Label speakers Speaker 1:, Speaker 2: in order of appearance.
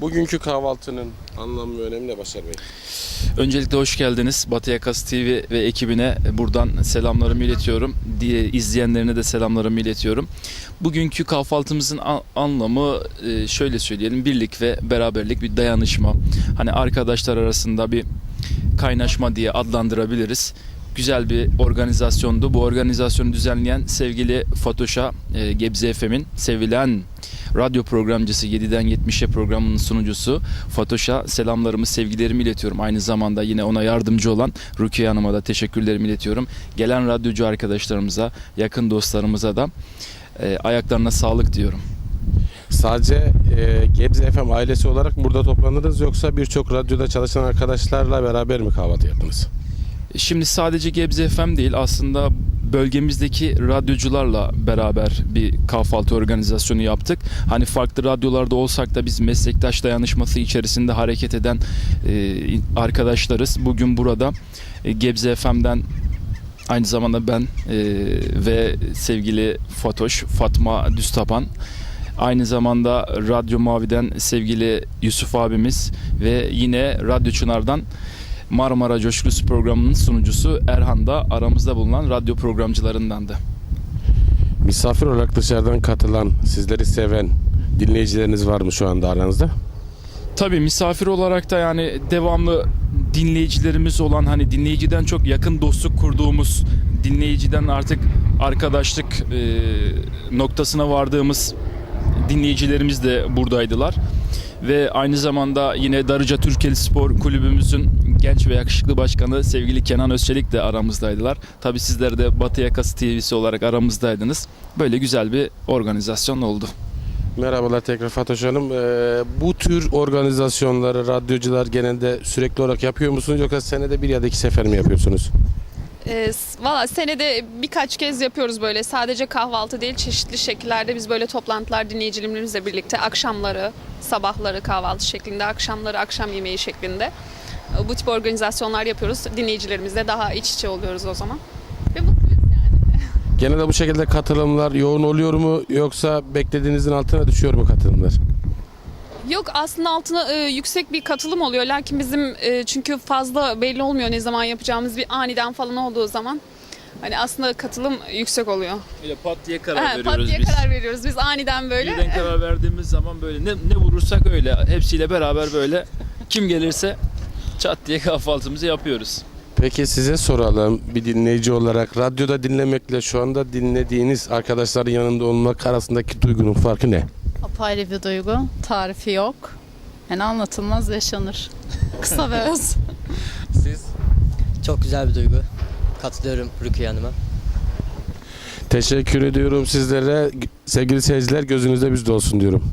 Speaker 1: Bugünkü kahvaltının anlamı ve önemi ne Başar Bey?
Speaker 2: Öncelikle hoş geldiniz. Batı Yakası TV ve ekibine buradan selamlarımı iletiyorum. İzleyenlerine de selamlarımı iletiyorum. Bugünkü kahvaltımızın anlamı şöyle söyleyelim. Birlik ve beraberlik, bir dayanışma. Hani arkadaşlar arasında bir kaynaşma diye adlandırabiliriz. Güzel bir organizasyondu. Bu organizasyonu düzenleyen sevgili Fatoş'a, Gebze FM'in sevilen radyo programcısı 7'den 70'e programının sunucusu Fatoş'a selamlarımı, sevgilerimi iletiyorum. Aynı zamanda yine ona yardımcı olan Rukiye Hanım'a da teşekkürlerimi iletiyorum. Gelen radyocu arkadaşlarımıza, yakın dostlarımıza da ayaklarına sağlık diyorum.
Speaker 1: Sadece Gebze FM ailesi olarak mı burada toplanırız yoksa birçok radyoda çalışan arkadaşlarla beraber mi kahvaltı yaptınız?
Speaker 2: Şimdi sadece Gebze FM değil, aslında bölgemizdeki radyocularla beraber bir kahvaltı organizasyonu yaptık. Hani farklı radyolarda olsak da biz meslektaş dayanışması içerisinde hareket eden arkadaşlarız. Bugün burada Gebze FM'den aynı zamanda ben ve sevgili Fatma Düztapan, aynı zamanda Radyo Mavi'den sevgili Yusuf abimiz ve yine Radyo Çınar'dan Marmara Coşkusu programının sunucusu Erhan da aramızda bulunan radyo programcılarındandı.
Speaker 1: Misafir olarak dışarıdan katılan, sizleri seven dinleyicileriniz var mı şu anda aranızda?
Speaker 2: Tabii misafir olarak da yani devamlı dinleyicilerimiz olan, hani dinleyiciden çok yakın dostluk kurduğumuz, dinleyiciden artık arkadaşlık noktasına vardığımız dinleyicilerimiz de buradaydılar. Ve aynı zamanda yine Darıca Türkeli Spor Kulübümüzün genç ve yakışıklı başkanı sevgili Kenan Özçelik de aramızdaydılar. Tabii sizler de Batı Yakası TV'si olarak aramızdaydınız. Böyle güzel bir organizasyon oldu.
Speaker 1: Merhabalar tekrar Fatoş Hanım. Bu tür organizasyonları radyocular genelde sürekli olarak yapıyor musunuz yoksa senede bir ya da iki sefer mi yapıyorsunuz?
Speaker 3: Valla senede birkaç kez yapıyoruz böyle. Sadece kahvaltı değil, çeşitli şekillerde biz böyle toplantılar dinleyicilerimizle birlikte akşamları, sabahları kahvaltı şeklinde, akşamları akşam yemeği şeklinde bu tip organizasyonlar yapıyoruz. Dinleyicilerimizle daha iç içe oluyoruz o zaman. Ve mutluyuz yani.
Speaker 1: Genelde bu şekilde katılımlar yoğun oluyor mu yoksa beklediğinizin altına düşüyor mu katılımlar?
Speaker 3: Yok, aslında altına yüksek bir katılım oluyor. Lakin bizim çünkü fazla belli olmuyor ne zaman yapacağımız, bir aniden falan olduğu zaman hani aslında katılım yüksek oluyor.
Speaker 2: Öyle pat diye karar veriyoruz
Speaker 3: pat diye
Speaker 2: biz.
Speaker 3: karar veriyoruz biz aniden böyle.
Speaker 2: Birden karar verdiğimiz zaman böyle ne vurursak öyle hepsiyle beraber böyle kim gelirse çat diye kahvaltımızı yapıyoruz.
Speaker 1: Peki size soralım, bir dinleyici olarak radyoda dinlemekle şu anda dinlediğiniz arkadaşların yanında olmak arasındaki duygunun farkı ne?
Speaker 4: Apayrı bir duygu. Tarifi yok. Yani anlatılmaz, yaşanır. Kısa ve öz.
Speaker 1: Siz?
Speaker 5: Çok güzel bir duygu. Katılıyorum Rukiye Hanım'a.
Speaker 1: Teşekkür ediyorum sizlere. Sevgili seyirciler, gözünüzde bizde olsun diyorum.